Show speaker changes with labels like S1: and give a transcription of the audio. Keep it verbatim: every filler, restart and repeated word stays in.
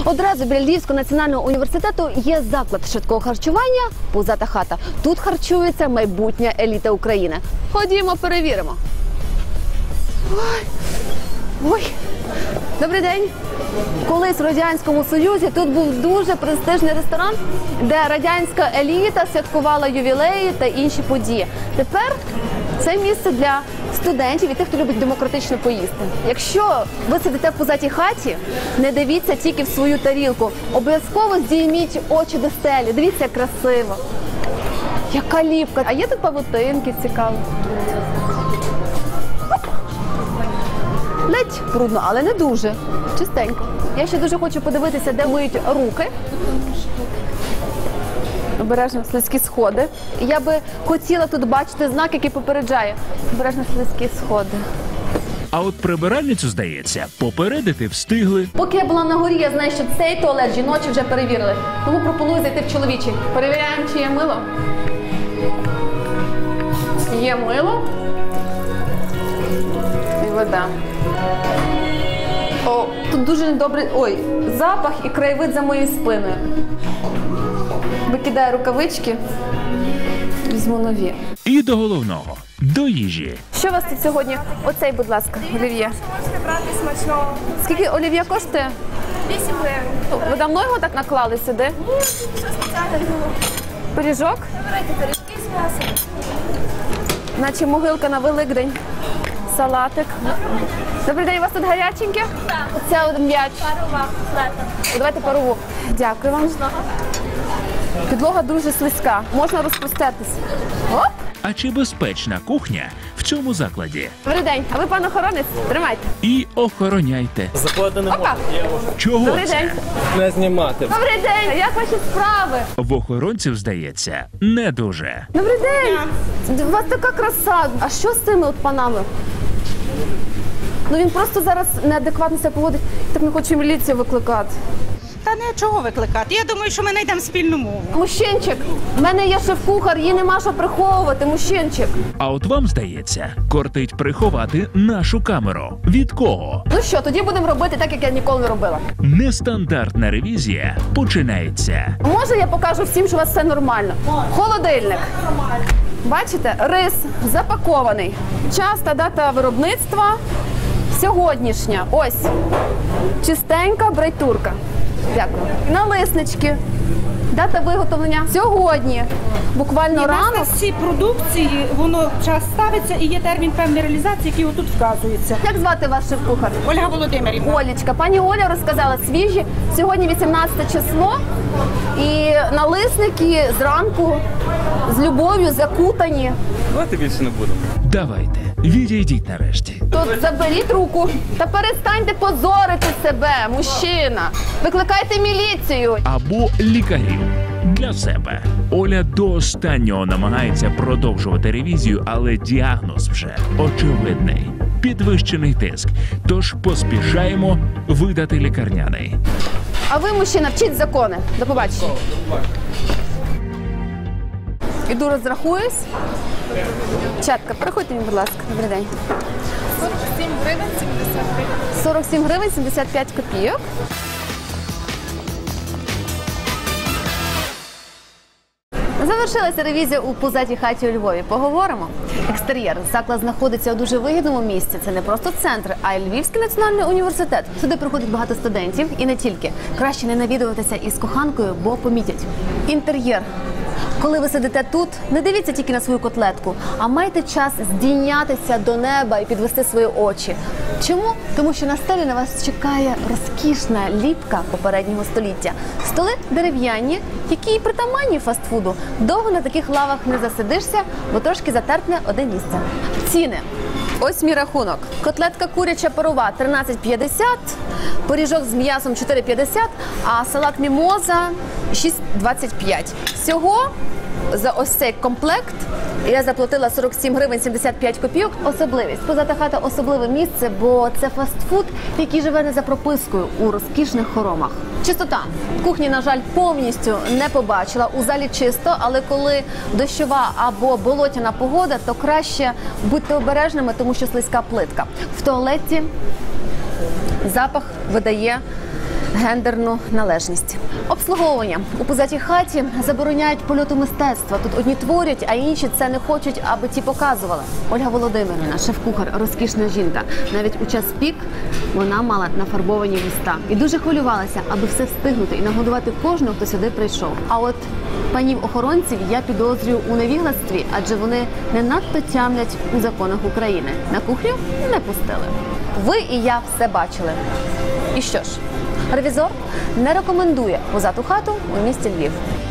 S1: Одразу біля Львівського національного університету є заклад швидкого харчування «Пузата хата». Тут харчується майбутня еліта України. Ходімо, перевіримо. Ой. Ой. Добрий день. Колись в Радянському Союзі тут був дуже престижний ресторан, де радянська еліта святкувала ювілеї та інші події. Тепер це місце для студентів і тих, хто любить демократично поїсти. Якщо ви сидите в пузатій хаті, не дивіться тільки в свою тарілку. Обов'язково здійміть очі до стелі. Дивіться, як красиво. Яка ліпка. А є тут павутинки, цікаво. Ледь брудно, але не дуже. Чистенько. Я ще дуже хочу подивитися, де миють руки. Обережно слизькі сходи. Я би хотіла тут бачити знак, який попереджає. Обережно слизькі сходи.
S2: А от прибиральницю, здається, попередити встигли.
S1: Поки я була на горі, я знаю, що цей туалет жіночий вже перевірили. Тому пропоную зайти в чоловічий. Перевіряємо, чи є мило. Є мило. І вода. О, тут дуже недобрий, ой, запах і краєвид за моєю спиною. Викидаю рукавички, візьму нові.
S2: І до головного – до їжі.
S1: Що у вас тут сьогодні? Оцей, будь ласка, олів'є.
S3: Можете брати смачного.
S1: Скільки олів'є коштує?
S3: вісім гривень.
S1: Ви давно його так наклали сюди?
S3: Ні, що спеціально було.
S1: Пиріжок?
S3: Вибирайте пиріжки з м'ясом.
S1: Наче могилка на Великдень. Салатик. Добрий день, у вас тут гаряченьке?
S3: Так.
S1: Оце один м'яч.
S3: Парова, флета.
S1: Давайте парову. Дякую вам. Підлога дуже слизька. Можна розпуститись. Оп!
S2: А чи безпечна кухня в цьому закладі?
S1: Добрий день. А ви, пан охоронець? Тримайте.
S2: І охороняйте.
S4: Заходити не
S1: Опа!
S4: можна.
S2: Чого
S1: Добрий
S2: це?
S1: день.
S4: Не знімати.
S1: Добрий день. Як ваші справи?
S2: В охоронців, здається, не дуже.
S1: Добрий день. У вас така краса. А що з цими от панами? Ну він просто зараз неадекватно себе поводить. Так не хочу міліцію викликати.
S5: Та не чого викликати. Я думаю, що ми знайдемо спільну мову.
S1: Мужчинчик, в мене є шеф-кухар, її нема що приховувати, мужчинчик.
S2: А от вам, здається, кортить приховати нашу камеру. Від кого?
S1: Ну що, тоді будемо робити так, як я ніколи не робила.
S2: Нестандартна ревізія починається.
S1: Може, я покажу всім, що у вас все нормально. Холодильник. Бачите, рис запакований. Час та дата виробництва сьогоднішня. Ось. Чистенька брайтурка. Дякую. Налиснички. Дата виготовлення сьогодні. Буквально
S5: І
S1: рано.
S5: на цій продукції воно час ставиться і є термін певної реалізації, який отут вказується.
S1: Як звати ваш шеф-кухар?
S5: Ольга Володимирівна.
S1: Олічка. Пані Оля розказала свіжі. Сьогодні вісімнадцяте число. І налисники зранку з любов'ю закутані.
S4: Давайте більше не будемо.
S2: Давайте, відійдіть нарешті.
S1: Тут заберіть руку та перестаньте позорити себе, мужчина. Викликайте міліцію.
S2: Або лікарів. Для себе. Оля до останнього намагається продовжувати ревізію, але діагноз вже очевидний. Підвищений тиск. Тож поспішаємо видати лікарняний.
S1: А ви, мужчина, вчіть закони. До побачення. Іду розрахуюсь. Чатка, переходьте мені, будь ласка. Добрий день.
S3: сорок сім гривень, сімдесят гривень.
S1: сорок сім гривень, сімдесят п'ять копійок. Завершилася ревізія у Пузатій хаті у Львові. Поговоримо. Екстер'єр. Заклад знаходиться у дуже вигідному місці. Це не просто центр, а й Львівський національний університет. Сюди приходить багато студентів і не тільки. Краще не навідуватися із коханкою, бо помітять. Інтер'єр. Коли ви сидите тут, не дивіться тільки на свою котлетку, а майте час здійнятися до неба і підвести свої очі. Чому? Тому що на стелі на вас чекає розкішна ліпка попереднього століття. Столи дерев'яні, які і притаманні фастфуду. Довго на таких лавах не засидишся, бо трошки затерпне одне місце. Ціни. Ось мій рахунок. Котлетка куряча парова тринадцять п'ятдесят, пиріжок з м'ясом чотири п'ятдесят, а салат мімоза шість двадцять п'ять. Всього за ось цей комплект я заплатила сорок сім гривень сімдесят п'ять копійок. Особливість. Пузата хата – особливе місце, бо це фастфуд, який живе не за пропискою у розкішних хоромах. Чистота. Кухні, на жаль, повністю не побачила. У залі чисто, але коли дощова або болотяна погода, то краще будьте обережними, тому що слизька плитка. В туалеті запах видає гендерну належність. Обслуговування у позатій хаті забороняють польоту мистецтва. Тут одні творять, а інші це не хочуть, аби ті показували. Ольга Володимирівна, шеф-кухар, розкішна жінка. Навіть у час пік вона мала нафарбовані вуста і дуже хвилювалася, аби все встигнути і нагодувати кожного, хто сюди прийшов. А от панів-охоронців я підозрюю у невігластві, адже вони не надто тямлять у законах України. На кухню не пустили. Ви і я все бачили. І що ж, ревізор не рекомендує позату хату у місті Львів.